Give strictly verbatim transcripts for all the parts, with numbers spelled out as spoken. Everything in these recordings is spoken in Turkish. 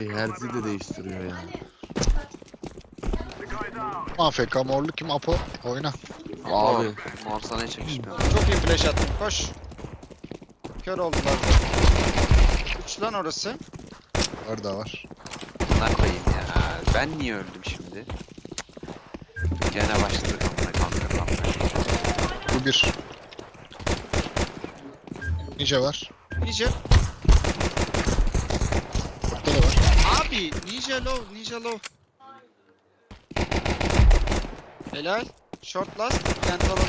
Herzi de değiştiriyor ya. A F K morlu kim Apo? Oyna. Abi. Mor sana hiç yakışmıyor. Çok iyi flash attım. Koş. Kör oldular. Üç lan orası. Orada var. Ne koyayım ya. Ben niye öldüm şimdi? Gene başladık amına kanka kanka. Bu bir. Ninja var. Ninja. Burada da var. Abi Ninja low. Ninja low. Helal. Short last. Plant alalım.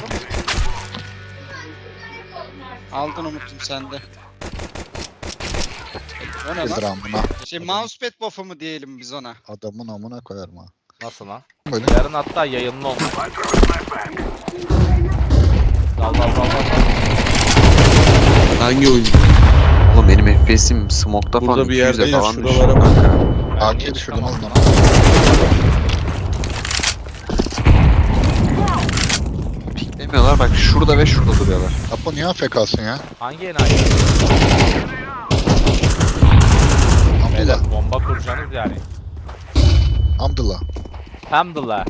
Aldın Umut'um sende. O ne Bildir lan? amına. Şey mousepad buff'ı mı diyelim biz ona? Adamın amına koyarım ha. Nasıl lan? Böyle. Yarın hatta yayınlı olmuş. Dal dal dal dal. Hangi oyuncu? Oğlum benim F P S'im smoke'da falan Burada bir iki yüze yerdeyim. falan düştü. Şuralara bak. Ben A niye K düşürdüm çıkamam? oğlum lan. Piklemiyorlar bak şurada ve şurada duruyorlar. Apo niye A F K'sın ya? Hangi enayi? Beyler Hamdullah. bomba kuracaksınız yani. Hamdullah. Hamdullah.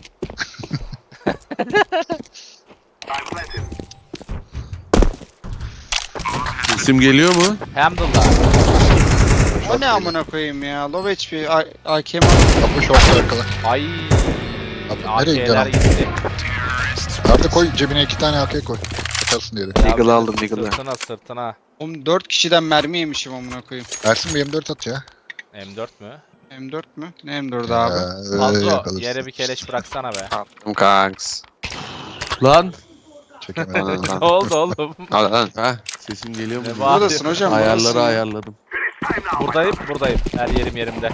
İsim geliyor mu? Hamdullah. O ne amına koyayım ya? Low H P. A K M. Apo şortla arkada. Ay. Abi nereye gidiyorsun A K'ler abi? gitti. Nerede koy cebine iki tane A K koy. Atarsın diye. Deagle aldım, Deagle'ı. Sırtına sırtına. Oğlum dört kişiden mermi yemişim amına koyayım. Ersin bir M dört at ya. M dört mü? M dört mü? Ne M dördü abi? Ee, Fazla yakalırsın. yere bir keleş bıraksana be. Attım kanks. Lan. Çekemedim. Lan, Ne lan. oldu oğlum? Al lan. Heh, sesim geliyor mu? Ne diye. var? Buradasın hocam. Ayarları buradasın. ayarladım. Buradayım buradayım. Her yerim yerimde.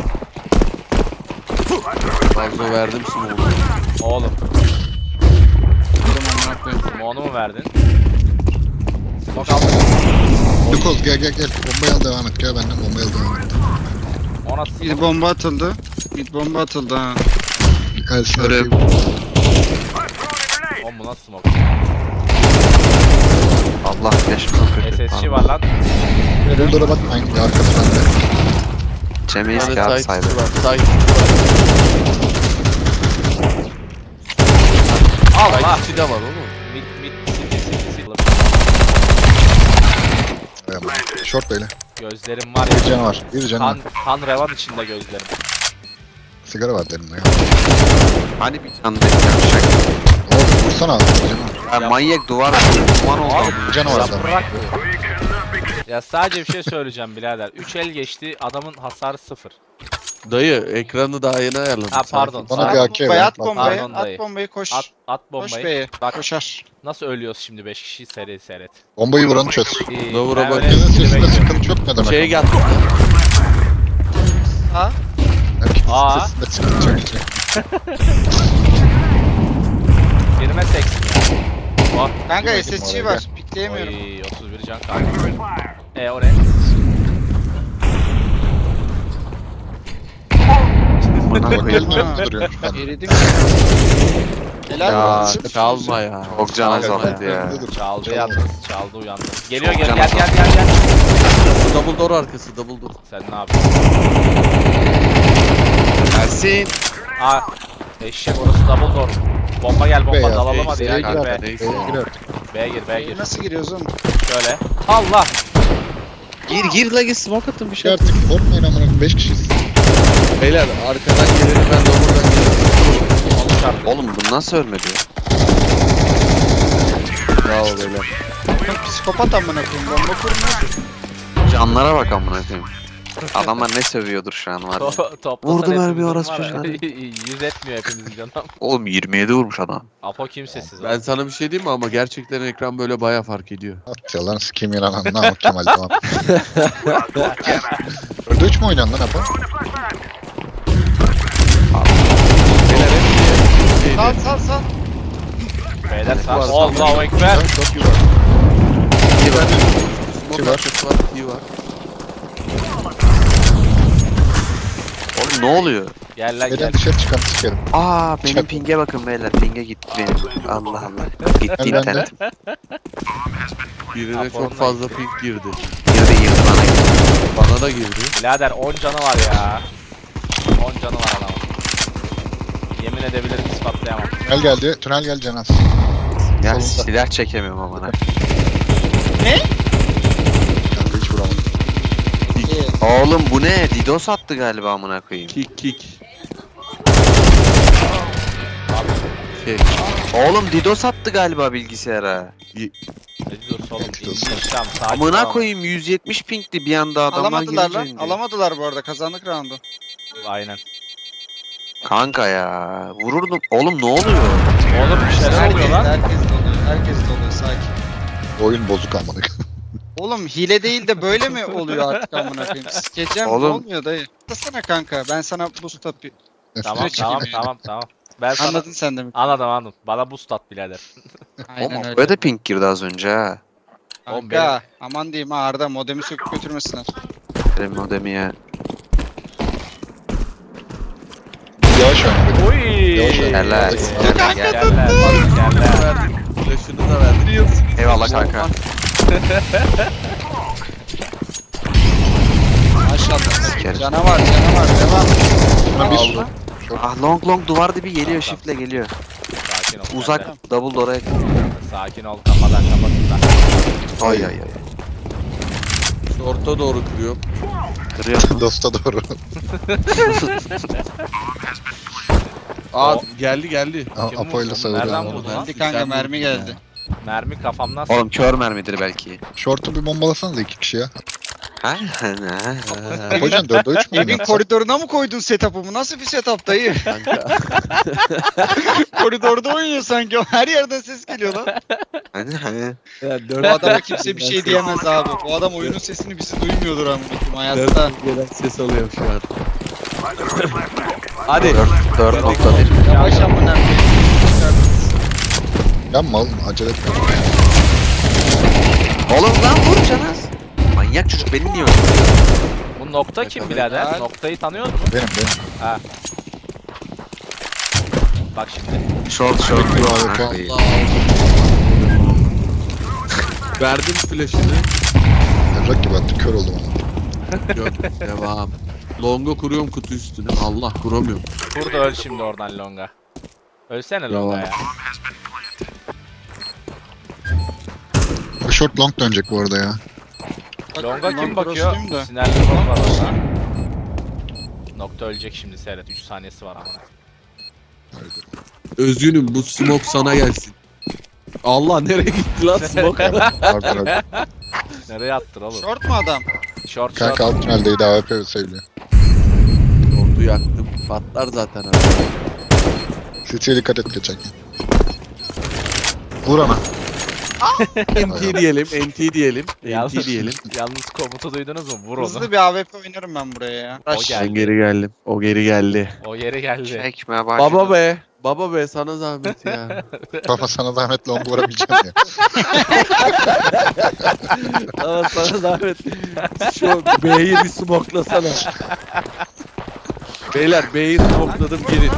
Fazla verdim smoke'u. Oğlum. Buldum amına koyayım. Onu mu verdin? Smoke aldım. Lukoz gel gel gel. Bombayı al devam et. Gel benden bombayı al devam et. Ona Mid smoke. bomba atıldı. Mid bomba atıldı ha. Ersin Görüyorum. atayım. Oğlum bu nasıl smoke? Allah flash profil. S S G var lan. Buldura bakmayın. Ya arkada bende. Çemeyiz Bir ki abi tane saydı. side var. Side var. Allah. Side de var oğlum. Mid mid city city city. Ayağım. Short böyle. Gözlerim var Bir ya. canı var. Bir canı var. Kan, kan revan içinde gözlerim. Sigara var derimde ya. Hani bir tane beklemişek. Oğlum vursana abi. Bir canı var. Ya manyak duvar duman oldu. Abi, Bir canı var adamın. Yaprak. Ya sadece bir şey söyleyeceğim birader. üç el geçti adamın hasarı sıfır. Dayı ekranı daha yeni ayarladım. Ha pardon. Bana Sağ- bir A K Bombayı ver. at Bak, bombayı. Pardon At dayı. bombayı koş. At, at Koş bombayı. B'ye. Bak Koşar. nasıl ölüyoruz şimdi beş kişi seri seyret. Bombayı vuranı çöz. İyi, Davura ben bak. öyle Herkesin bir sesinde bekliyorum. sıkıntı yok ne demek? Şey ama? gel. Ha? Herkesin Aa. sesinde sıkıntı yok. Birime seksin ya. Oh. Kanka Girmedim S S G oraya, var. Pikleyemiyorum. Oy otuz bir can kaldı. E o ne? Bana Bak koyayım. elin önünde duruyormuş ben. Eridim. Helal Ya olsun. çalma ya. Çok can Çalma azaldı ya. Önünde dur. Çaldı Çalma. yalnız. Çaldı uyandı. Geliyor Çok gel can gel gel azaldı. gel gel. Double door arkası double door. Sen ne yapıyorsun? Ersin. Aa eşek orası double door. Bomba gel bomba Beyaz, dalalım hadi B'ye ya. gir Gel artık, be. neyse. B'ye gir artık. B'ye gir B'ye gir. Nasıl giriyoruz oğlum? Şöyle. Allah. Gir gir la git smoke attım bir Şey şey. artık korkmayın amına koyayım. beş kişiyiz. Beyler arkadan gelelim ben de buradan gelirim. Onu çarptı. Oğlum bu nasıl ölmedi ya? Bravo beyler. Oğlum psikopat amına koyayım. Bomba kurmuyor. Canlara bak amına koyayım. Adamlar ne sövüyordur şu an var ya. To toplasan Vurdum hepimizin her bir var orospu ya. çocuğu. Yüz etmiyor hepimizin canım. Oğlum yirmi yedi vurmuş adam. Apo kimsesiz. Ben sana bir şey diyeyim mi ama gerçekten ekran böyle baya fark ediyor. At yalan sikeyim yalan anla Kemal tamam. Dörde üç mü oynan lan Apo? Beyler hep şeydi. Sal sal sal. Beyler sağ. Var, Allahu ekber. Çok iyi var. İyi bak. Smoke var. arkası var. İyi var. Oğlum ne oluyor? Gel lan gel. Neden dışarı çıkan sikerim. Aa benim Çak. pinge bakın beyler. Pinge gitti benim. Allah Allah. Gitti Gel bende. internet. Birine Apo'nun çok fazla ping girdi. Girdi girdi bana girdi. Bana da girdi. Birader on canı var ya. on canı var adamın. Yemin edebilirim ispatlayamam. Tünel geldi. Tünel geldi Cenaz. Ya Solunda. silah çekemiyorum amına. Kanka hiç vuramadım. İyi. Oğlum bu ne? DDoS attı galiba amına koyayım. Kick kick. Şey, Oğlum DDoS attı galiba bilgisayara. Ne diyorsun oğlum? Geçmiş olsun. İndireceğim, sakin Amına ol. koyayım yüz yetmiş pingdi bir anda adamlar Alamadılar girince lan. indi. Alamadılar bu arada. Kazandık roundu. Aynen. Kanka ya vururdum. Oğlum ne oluyor? Oğlum bir şeyler oluyor lan. Herkes de oluyor. Herkes de oluyor. Sakin. Oyun bozuk amına. Oğlum hile değil de böyle mi oluyor artık amına koyayım? Sikeceğim Oğlum. olmuyor dayı. Atlasana kanka. Ben sana boost atayım. Tamam Süreç tamam çekimi. tamam tamam. Ben sana... Anladın sen de mi? Anladım anladım. Bana boost at birader. Aynen Oğlum öyle. böyle de ping girdi az önce ha. Oğlum Kanka aman diyeyim ha Arda modemi söküp götürmesinler. Benim modemi ya. Yavaş oyna. Oy. Yavaş oyna. Helal. Gel gel. Yerler. Yerler. verdim. Flash'ını da verdim. Eyvallah kanka. Maşallah. Sikerim. Canavar canavar devam. Buna bir Aldım. Ah long long duvar dibi geliyor shiftle geliyor. Sakin ol. sen de. Uzak double door'a yakın. Sakin ol. Kafadan kapatın. Ay ay ay. Orta doğru kırıyorum. Kırıyor mu? Dosta doğru. Aa O- geldi geldi. A- Kim Apo ile vurdu? savuruyor. Nereden ama. vurdu lan? Hadi kanka mermi geldi. Mermi kafamdan Oğlum kör mermidir belki. Short'u bir bombalasanıza iki kişi ya. Ha? Hocam dörde üç mü Evin oynatsın? koridoruna mı koydun setup'ımı? Nasıl bir setup dayı? Kanka. Koridorda oynuyor sanki. Her yerden ses geliyor lan. Hani hani. Yani Bu adama kimse bir şey diyemez abi. Bu adam oyunun sesini bizi duymuyordur amına koyayım hayatta. Dört gelen ses alıyorum şu an. Hadi. dört nokta bir. Yavaş amına koyayım. Yapma oğlum acele etme. Oğlum lan vur Canaz. Manyak çocuk beni niye öldürdü? Bu nokta kim birader? Helal. Noktayı tanıyor musun? Benim benim. Ha. Bak şimdi. Short short. Bekliyor abi, Ha, tamam. iyi. Verdim flash'ını. Evrak gibi attı kör oldum ama. Yok devam. Longa kuruyorum kutu üstüne. Allah kuramıyorum. Burada öl şimdi oradan longa. Ölsene longa ya. O short long dönecek bu arada ya. Longa kim Ulan bakıyor? cross'luyum da. Sinerli long var orada. Nokta ölecek şimdi seyret. üç saniyesi var ama. Özgünüm bu smoke sana gelsin. Allah nereye gitti lan smoke? Pardon abi. Nereye attın oğlum? Short mu adam? Short Kanka short. alt tüneldeydi A W P seviliyor. Ordu yaktım. Patlar zaten abi. City'ye dikkat et geçerken. Vur ana. N T diyelim, N T diyelim, N T Yalnız, diyelim. yalnız komutu duydunuz mu? Vur onu. Hızlı bir A W P oynarım ben buraya ya. O Rush. geldi. Ben geri geldim. O geri geldi. O yere geldi. Çekme başladı. Baba be. Baba be sana zahmet ya. Baba sana zahmet long vurabileceğim ya. Ama sana zahmet. Şu B'yi bir smoklasana. Beyler B'yi smokladım girin.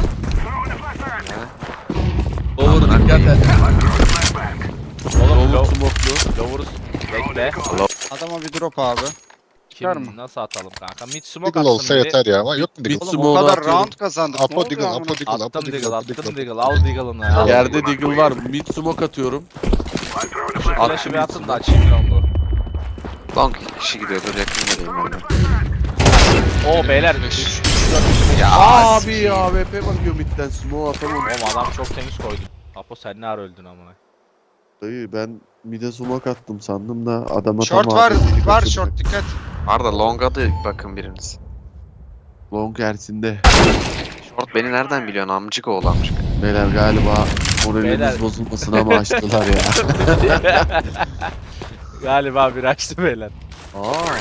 Olur dikkat et. Oğlum Olur lo smoklu. Lovurus. Bekle. Adama bir drop abi. Çıkar Kim mı? nasıl atalım kanka? Mid smoke Diggle atsın olsa biri. yeter ya ama yok mu Bir Diggle? Oğlum o Smoke'u kadar atıyorum. round kazandık. Ne Apo oluyor Diggle, amına? Apo Diggle, Apo Attım Diggle, Diggle, Apo attım Diggle. Diggle. Al Diggle'ını ya. Yerde Diggle var. Mid smoke atıyorum. Şu flash'ı bir atın da açayım longu. Long kişi gidiyordur yakın geleyim ben de. Oo beyler. Ya Abi A W P bakıyor midden smoke atamam. Oğlum adam çok temiz koydu. Apo sen ne ara öldün amına. Dayı ben mid'e smoke attım sandım da adama Short tam var, A W P'yi var kaçırdı. short dikkat. Arda long'a da bakın biriniz. Long Ersin'de. Short beni nereden biliyorsun amcık oğlu amcık. Beyler galiba Beyler. moralimiz bozulmasın ama açtılar ya. Galiba bir açtı beyler. Aa.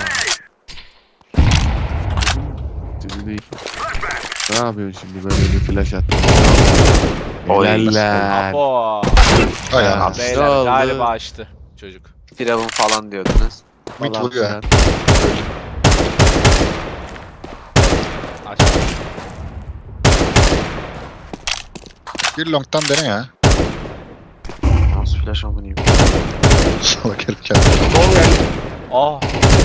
Şimdi ne yapıyorsun şimdi böyle bir flash attın? Oy. Helaller. Apo. Ay Ya. ya. Beyler oldu? galiba açtı çocuk. Firavun falan diyordunuz. Mid Falan vuruyor. filan. Açtı. Bir long'tan dene ya. Nasıl flash amınıyım. Salak herif geldi. Long geldi. Oh.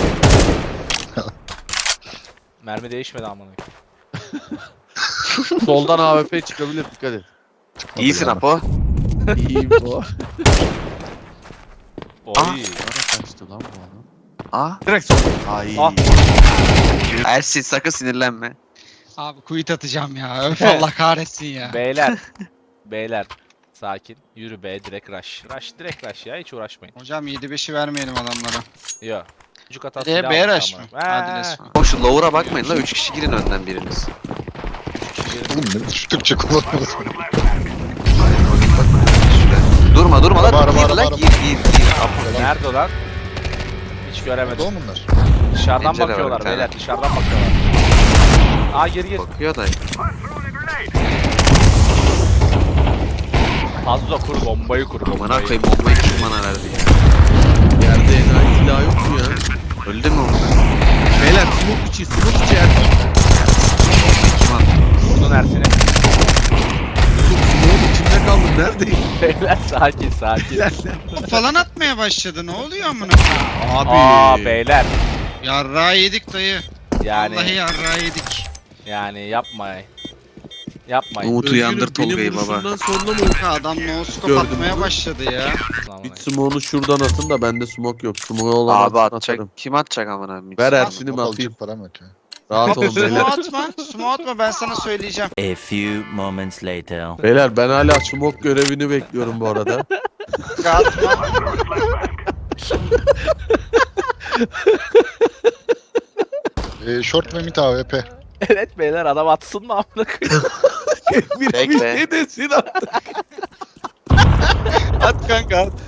Mermi değişmedi amına. Soldan A W P çıkabilir, dikkat et. İyisin yani. Apo. İyiyim bu. Oy. Nereye kaçtı lan bu adam? Aa. Direkt sol. Ay. Ah. Ersin sakın sinirlenme. Abi quit atacağım ya. Öf Allah kahretsin ya. Beyler. Beyler. Sakin. Yürü be, direkt rush. Rush, direkt rush ya, hiç uğraşmayın. Hocam yedi beşi vermeyelim adamlara. Yo. Çocuk hatası Nereye, silah B almış rush mı? amına. Hadi He. let's go. O şu lower'a bakmayın la. üç kişi girin önden biriniz. Oğlum ne şu Türkçe kullanıyoruz. Şuraya. Durma durma Araba, lan. araba, Gir araba, lan araba. gir gir gir. Apo. Nerede o lan? Hiç göremedim. Doğu bunlar. Dışarıdan Pencere var bakıyorlar bir tane. beyler, dışarıdan bakıyorlar. Aa geri gir. Bakıyor da. Fazla kur, bombayı kur, Amına bombayı. koyayım bombayı kim bana verdi ya? Yerde enayi silah yok mu ya? Öldü mü o? Beyler smoke içi, smoke içi Ersin. Bombayı kim attı? Vurdun Ersin'i. Smoke'un içinde kaldım, neredeyim? Beyler sakin sakin. Falan atmaya başladı. Ne oluyor amına? Abi. Aa beyler. Yarrağı yedik dayı. Yani Vallahi yarrağı yedik. yani yapmayın. Yapmayın. Umut uyandır Özgür'ün Tolga'yı benim baba. vuruşumdan sonra mı? Kanka adam no scope Gördüm. atmaya başladı ya. Bir smoke'unu şuradan atın da bende smoke yok. Smoke olan Abi atsın, atacak. atarım. Kim atacak amına? Ver Ersin Ersin'imi atayım. alacak param yok ya. Rahat olun Smoke beyler. atma. Smoke atma ben sana söyleyeceğim. A few moments later. Beyler ben hala smoke görevini bekliyorum bu arada. Kanka atma. Ee, short ve mid A W P. Evet beyler, adam atsın mı amına koyayım? bir, bir Bekle. şey desin artık. At kanka at.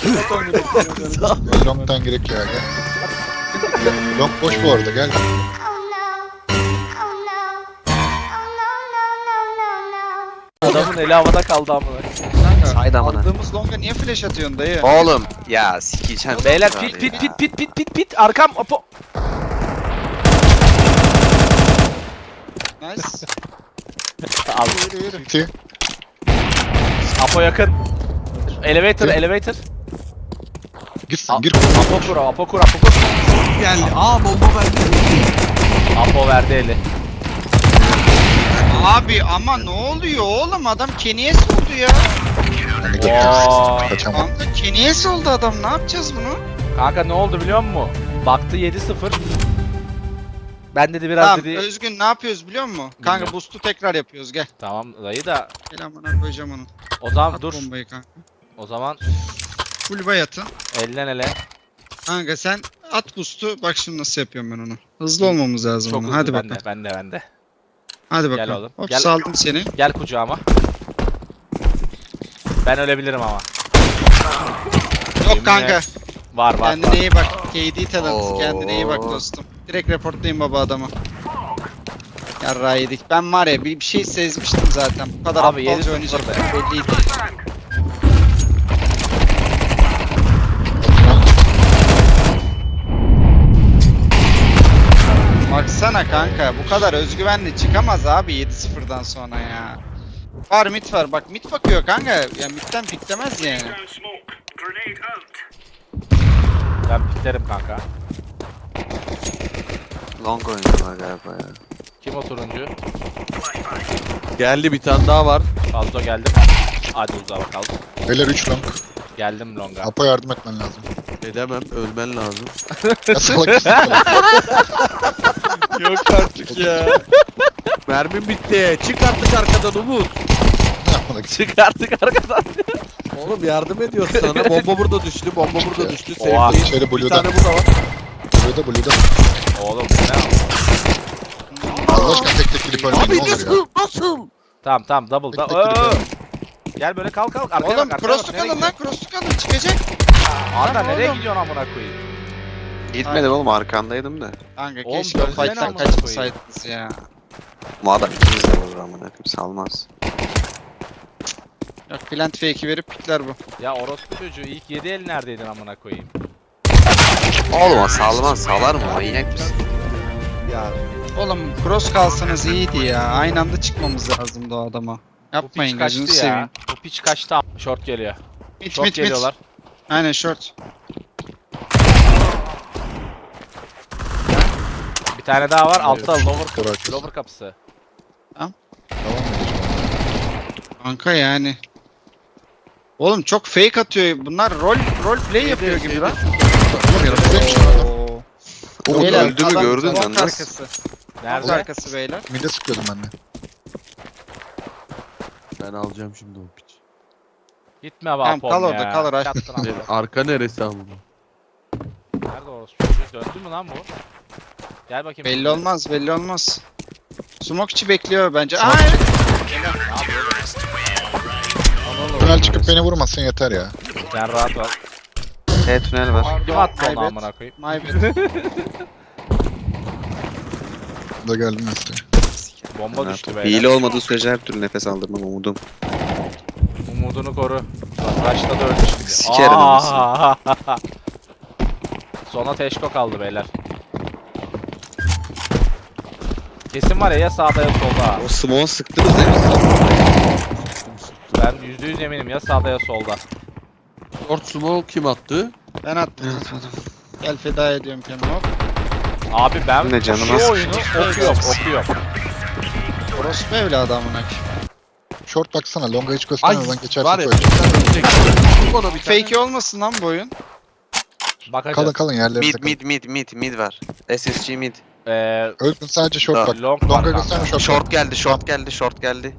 Long'dan gerek ya gel. Long boş bu arada gel. Oh no. Oh no. Oh no, no, no, no, no. Adamın eli havada kaldı amına. Kanka Haydi amına. aldığımız longa niye flash atıyorsun dayı? Oğlum ya sikeceğim. Beyler Abi pit pit ya. pit pit pit pit pit arkam apo. Nice. Al. Yürü yürü. City. Apo yakın. Elevator Gir. elevator. Gitsin Al. gir. Apo kur apo kur apo kur. Geldi. Aa bomba verdi. Apo verdi eli. Abi ama ne oluyor oğlum adam Kenyes oldu ya. Hani Oo. gel. Kaçamam. Kanka Kenyes oldu adam ne yapacağız bunu? Kanka ne oldu biliyor musun? Baktı yedi sıfır. Ben dedi biraz Tamam dedi. Özgün ne yapıyoruz biliyor musun? Kanka Bilmiyorum. boost'u tekrar yapıyoruz gel. Tamam dayı da Gel amına koyacağım onu. o zaman At dur. bombayı kanka. O zaman Full bay atın. elden ele. Kanka sen at boost'u bak şimdi nasıl yapıyorum ben onu. Hızlı olmamız lazım Çok onu. hızlı Hadi bende, bakalım. bende bende. Hadi Gel bakalım. oğlum, Hop gel. saldım seni. Gel kucağıma. Ben ölebilirim ama. Yok kanka. Var var Kendine var. iyi bak. K D talent. Oo. Kendine iyi bak dostum. Direkt reportlayın baba adamı. Yarrağı yedik. Ben var ya bir, bir şey sezmiştim zaten. Bu kadar Abi, yedi aptalca sıfır oynayacak be. belliydi. Baksana kanka bu kadar özgüvenli çıkamaz abi yedi sıfırdan sonra ya. Var mid var bak mid bakıyor kanka. Ya midden piklemez yani. Ben piklerim kanka. Long oynuyorlar galiba ya. Kim o turuncu? Geldi bir tane daha var. Fazla geldim. Hadi uzağa bakalım. Beyler üç long. Geldim longa. Apo yardım etmen lazım. Edemem, ölmen lazım. Ya salak mısın? Yok artık ya. Mermim bitti. Çık artık arkadan Umut. Çık artık arkadan. Oğlum yardım ediyor sana. Bomba burada düştü. Bomba burada düştü. Oha. Safe'dayım. İçeri Bir Blue'da. tane burada var. Blue'da Blue'da. Oğlum bu ne? Allah aşkına tek tek girip ölmeyin Abi ne olur ya. nasıl? Nasıl? Tamam tamam double. Tek Da tek girip Oo! ölmeyin. Gel böyle kalk kalk. Arkaya Oğlum bak, arkaya cross'u bak. Nereye kalın lan gidiyorsun? cross'u kalın çıkacak. Arda Lan nereye oğlum. gidiyorsun amına koyayım? Gitmedim oğlum arkandaydım da. Kanka Oğlum, keşke o dönsene fight'tan amına kaçmasaydınız ya. Bu adam ikimiz de vurur amına koyayım salmaz. Yok plant fake'i verip pikler bu. Ya orospu çocuğu ilk yedi el neredeydin amına koyayım? Oğlum o salmaz salar mı? Manyak mısın? Ya Oğlum cross kalsanız iyiydi ya. Aynı anda çıkmamız lazımdı o adama. Bu Yapmayın piç gözünü kaçtı seveyim. ya. Bu piç kaçtı. Short geliyor. Mit Short mit mit. geliyorlar. Aynen short. Bir tane daha var. Altta lower, Kor arkası. lower kapısı. Tamam mıydı? Kanka yani. Oğlum çok fake atıyor. Bunlar rol rol play yapıyor gibi lan. Oğlum yanımızdaymış adam. Oo. Oğlum Beyler, öldü mü adam gördün long lan nasıl? arkası. Long Nerede? arkası beyler. Mide sıkıyordum ben de. Ben alacağım şimdi o piç. Gitme be Tamam, Apom kal ya. orada, kal orada. Yattın ama. Ne- Arka neresi ama? Nerede orası çocuğu? Döndü mü lan bu? Gel bakayım. Belli olmaz, belli olmaz. Smokeçi bekliyor bence. Aa evet. Tünel çıkıp beni vurmasın yeter ya. Sen rahat ol. E tünel var. Kim attı onu My bad. amına koyayım? My bad. Da geldim işte. Bomba düştü Hile beyler. olmadığı sürece her türlü nefes aldırmam umudum. Umudunu koru. Başta da öldü şimdi. Sikerim Aa! Sona teşko kaldı beyler. Kesin var ya, ya sağda ya solda. O smoke'u sıktınız değil mi? Ben yüzde yüz eminim ya sağda ya solda. Short smoke kim attı? Ben attım. Gel feda ediyorum kendimi. Hop. Abi ben Ne canım şu az- oyunu okuyorum okuyorum. Orospu evladı amına koyayım. Short baksana. Longa hiç Ay göstermeden geçersin var ya koy. bir tane ölecek. Vur bana bir tane. Fake olmasın lan bu oyun. Bakacağız. Kalın kalın yerlerinize Mid kalın. mid mid mid mid var. S S G mid. Ee, Öldün sadece short Daha bak. long var Longa kanka. gösterme short. Short geldi short geldi short geldi.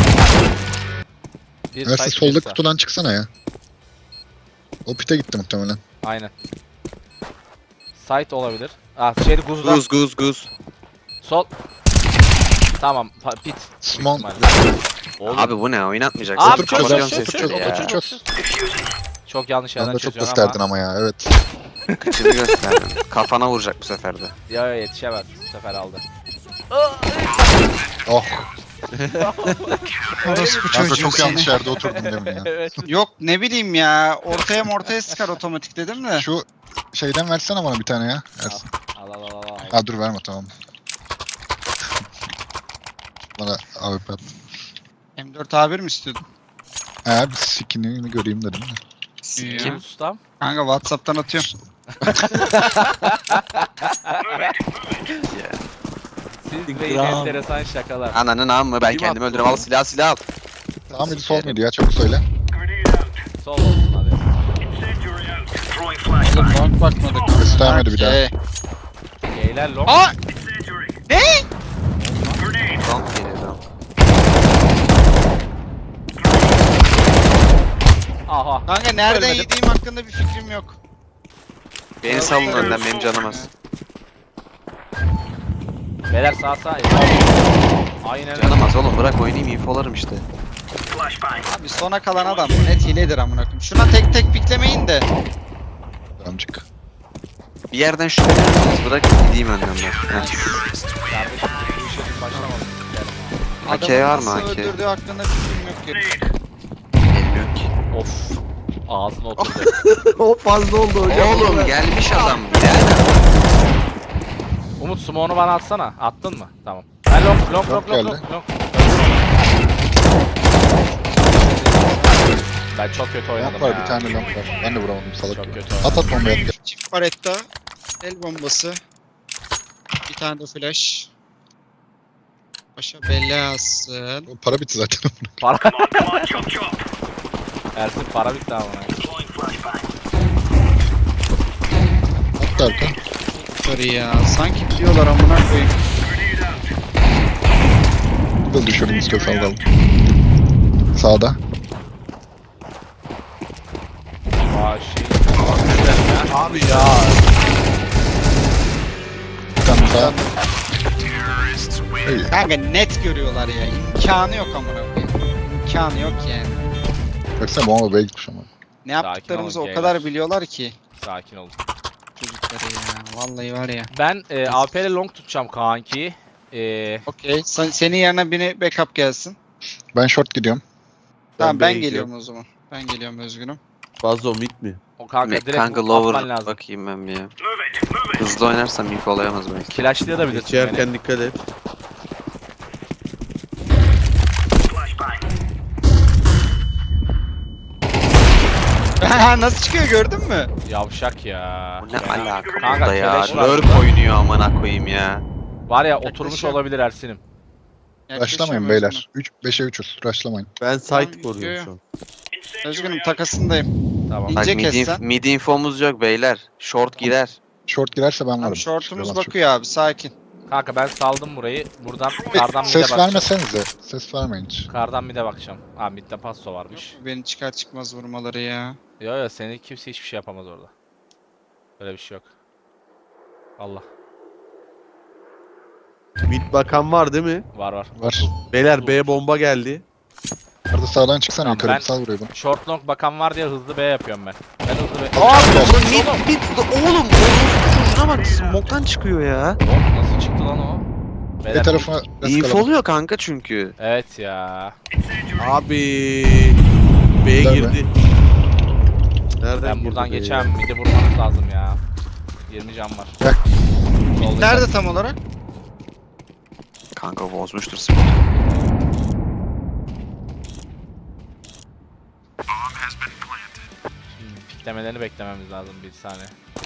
Bir Ersin side, soldaki bir sağ. kutudan çıksana ya. O pite gitti muhtemelen. Aynen. Site olabilir. Ah şeydi Guz'da. Guz guz guz. Sol. Tamam. pa- Pit. Small. Oğlum, Abi bu ne oynatmayacaksın. Abi Otur çok çöz, çok otur şey çöz, söylüyor otur ya. çöz. çok yanlış Sen yerden de çok çözüyorsun gösterdin ama. ama ya evet. Kıçını gösterdin. Kafana vuracak bu sefer de. Ya ya yetişemez. Bu sefer aldı. Oh. Orospu Ben de çocuğu çok seni. yanlış yerde oturdum demin ya. Evet. Yok ne bileyim ya. Ortaya ortaya sıkar otomatik dedim de. Şu şeyden versene bana bir tane ya. Ersin. Al al al al. Ha dur verme tamam. Bana A W P at. M dört A bir mi istiyordun? Ha bir skinini göreyim dedim de. Kim? Kim ustam? Kanka Whatsapp'tan atıyorum. Siz ve yine Gram. enteresan şakalar. Ananın amı ben Kim kendimi attı öldürürüm. Al silah silah al. Sağ mıydı sol muydu ya çabuk söyle. Sol olsun hadi. Oğlum long bakmadık. Göstermedi bir daha. Okey. Geyler long. Aa! Long geliyor long. Aha. Kanka nereden Ölmedim. yediğim hakkında bir fikrim yok. Beni salın önden benim canım az. Beyler sağ sağ. Aynen. Canım az oğlum bırak oynayayım infolarım işte. Abi sona kalan adam bu net hiledir amına koyayım. Şuna tek tek piklemeyin de. Amcık. Bir yerden şüphelenirsiniz bırak gideyim önden ben. Heh. Kardeşim bu işe biz başlamadık. Gidelim A K var Adamın mı nasıl A K? öldürdüğü hakkında fikrim yok ki. Bilmiyorum ki. abi. Of. Ağzına oturdu. O fazla oldu hocam. Oğlum gelmiş adam. Gel. Umut smoke'unu bana atsana. Attın mı? Tamam. Ben long long long long geldi. long. long. Ben çok kötü oynadım Long var ya. bir tane long var. Ben de vuramadım salak Çok gibi. kötü At oynadım. at bombayı at. Çift baretta. El bombası. Bir tane de flash. Başa belası. O para bitti zaten. Para. Ersin para bitti ama. At da Erkan. Yukarı ya. Sanki biliyorlar amına koyayım. Bir de düşürdüm istiyor sallalım. Sağda. Aa şey. Abi ya. Bir tane sağ. İyi. Kanka net görüyorlar ya. İmkanı yok amına koyayım. İmkanı yok yani. Baksana bomba B'ye gitmiş ama. Ne Sakin yaptıklarımızı olun o kadar beyler. biliyorlar ki. Sakin olun. Çocukları ya. Vallahi var ya. Ben e, A P ile long tutacağım kanki. E, Okey. Sen, senin yerine biri backup gelsin. Ben short gidiyorum. Tamam B'ye ben gidiyorum. geliyorum o zaman. Ben geliyorum özgünüm. Fazla mid mi? o kanka Me- direkt Kanka atman lower lazım. bakayım ben bir ya. Hızlı oynarsam info olayamaz belki. Flashlayabilirsin beni. Geçerken dikkat et. Nasıl çıkıyor gördün mü? Yavşak ya. Bu ne alaka Kanka, burada ya? keleş var Lurk burada. oynuyor amına koyayım ya. Var ya oturmuş Yaklaşıyor. olabilir Ersin'im. Rushlamayın Yaklaşıyorum beyler. üç beşe üçüz. Rushlamayın. Ben Tamam, site koruyorum yo, şu an. Özgünüm. Özgünüm takasındayım. Tamam. Bak İnce mid, kes inf- sen. mid infomuz yok beyler. Short girer. Short girerse ben varım. Tamam shortumuz Çıkamaz çok. bakıyor abi sakin. Kanka ben saldım burayı. Buradan kardan mid'e Ses bakacağım. vermesenize. Ses vermeyin hiç. Kardan mid'e bakacağım. Aa mid'de passo varmış. Beni çıkar çıkmaz vurmaları ya. Yo yo seni kimse hiçbir şey yapamaz orada. Öyle bir şey yok. Allah. Mid bakan var değil mi? Var var. Var. Beyler B bomba geldi. Arada sağdan çıksana Tamam, yukarı ben- bir sal burayı bana. Short long bakan var diye hızlı B yapıyorum ben. Ben hızlı B... Oğlum mid mid oğlum oğlum çocuğuna bak smoke'tan çıkıyor ya. Oğlum nasıl çıktı lan o? Bir Beyler, tarafına İnf eskaladım. oluyor kanka çünkü. Evet ya. Abi B'ye Nerede? girdi. Nereden Ben girdi buradan B'ye? geçemem. Mid'i vurmanız lazım ya. yirmi can var. Gel. Solda Nerede tam olarak? Kanka bozmuştur smoke. piklemelerini beklememiz lazım bir saniye.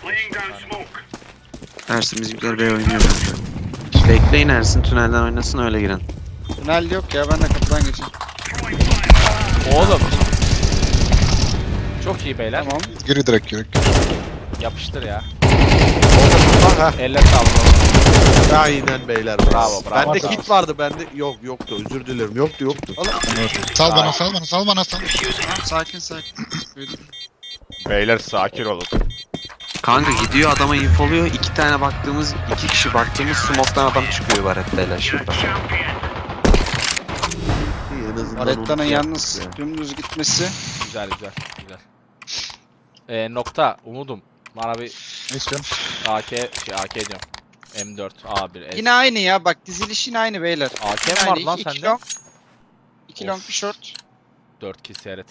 Ersin bizimkiler B oynuyor bence. Bekleyin Ersin tünelden oynasın öyle girin. Tünel yok ya ben de kapıdan geçeyim. Oğlum. Çok iyi beyler. Tamam. Geri direkt geri. Yapıştır ya. Aha. Elle sağlık. Aynen beyler. Bravo, bravo. Bende Bravo. kit vardı bende. Yok yoktu özür dilerim. Yoktu yoktu. Sal bana sal bana sal bana sal. Tamam sakin sakin. Duydum. Beyler sakin olun. Kanka gidiyor adama infoluyor. İki tane baktığımız, iki kişi baktığımız smoke'tan adam çıkıyor baretteyle şurada. En azından Aretta'nın onu yalnız yaptık dümdüz gitmesi. Güzel güzel güzel. Ee, nokta umudum. Bana bir Ne istiyorsun? A K şey A K diyorum. M dört A bir S. Yine aynı ya bak dizilişin aynı beyler. A K Yine mi var aynı. lan İki- iki sende? long. İki Of. long bir short. dört kill seyret.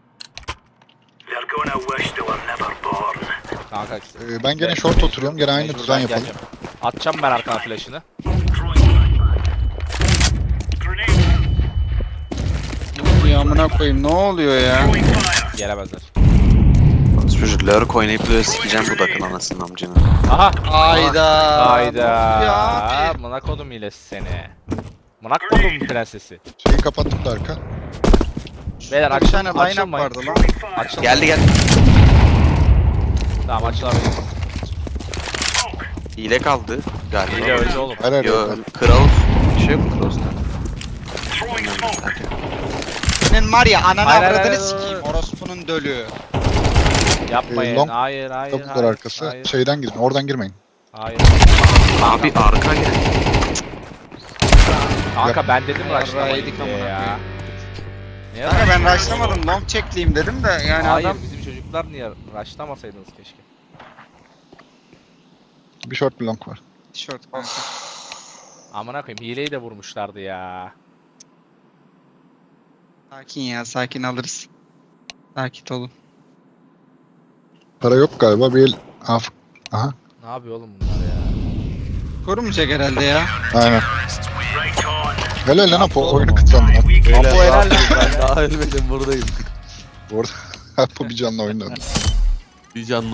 Kanka Ee, ben gene short oturuyorum. Gene aynı mecbur düzen ben yapalım. geleceğim. Atacağım ben arkana flash'ını. Ya amına koyayım ne oluyor ya? Gelemezler. Çocuk lurk oynayıp böyle sikeceğim bu dakın anasının amcını. Aha. Hayda. Hayda. Ya abi. Mına kodum hilesi seni. Mına kodum prensesi. Şeyi kapattık da arka. Beyler Bir açıl, tane line up açılmayın. vardı lan. Açıl. Geldi geldi. Tamam açılabilir. Hile kaldı galiba. Hile öldü oğlum. Her Yo yerde. Kraus. Bir şey yok mu Kraus'ta? Senin var ya ananı Hayır, hayır, avradını hayır, hayır. sikeyim. Orospunun dölü. Yapmayın. Ee, long hayır hayır Kapılar hayır. arkası. Hayır. Şeyden girin. Oradan girmeyin. Hayır. Abi arka gel. Kanka ben dedim Yarrağı rushlamayın yedik diye amına ya. Niye Kanka ben rushlamadın? rushlamadım long checkleyeyim dedim de yani Hayır adam. bizim çocuklar niye rushlamasaydınız keşke. Bir short bir long var. Tişört kanka. Amına koyayım hileyi de vurmuşlardı ya. Sakin ya sakin alırız. Sakin olun. Para yok galiba. Bir el... Af. Aha. Ne yapıyor oğlum bunlar ya? Korumayacak herhalde ya. Aynen. Helal lan Apo. Oyunu kıtlandı lan. Beyler Apo helal lan. ben daha ölmedim buradayım. Bu arada Apo bir canlı oynadı. Bir canlı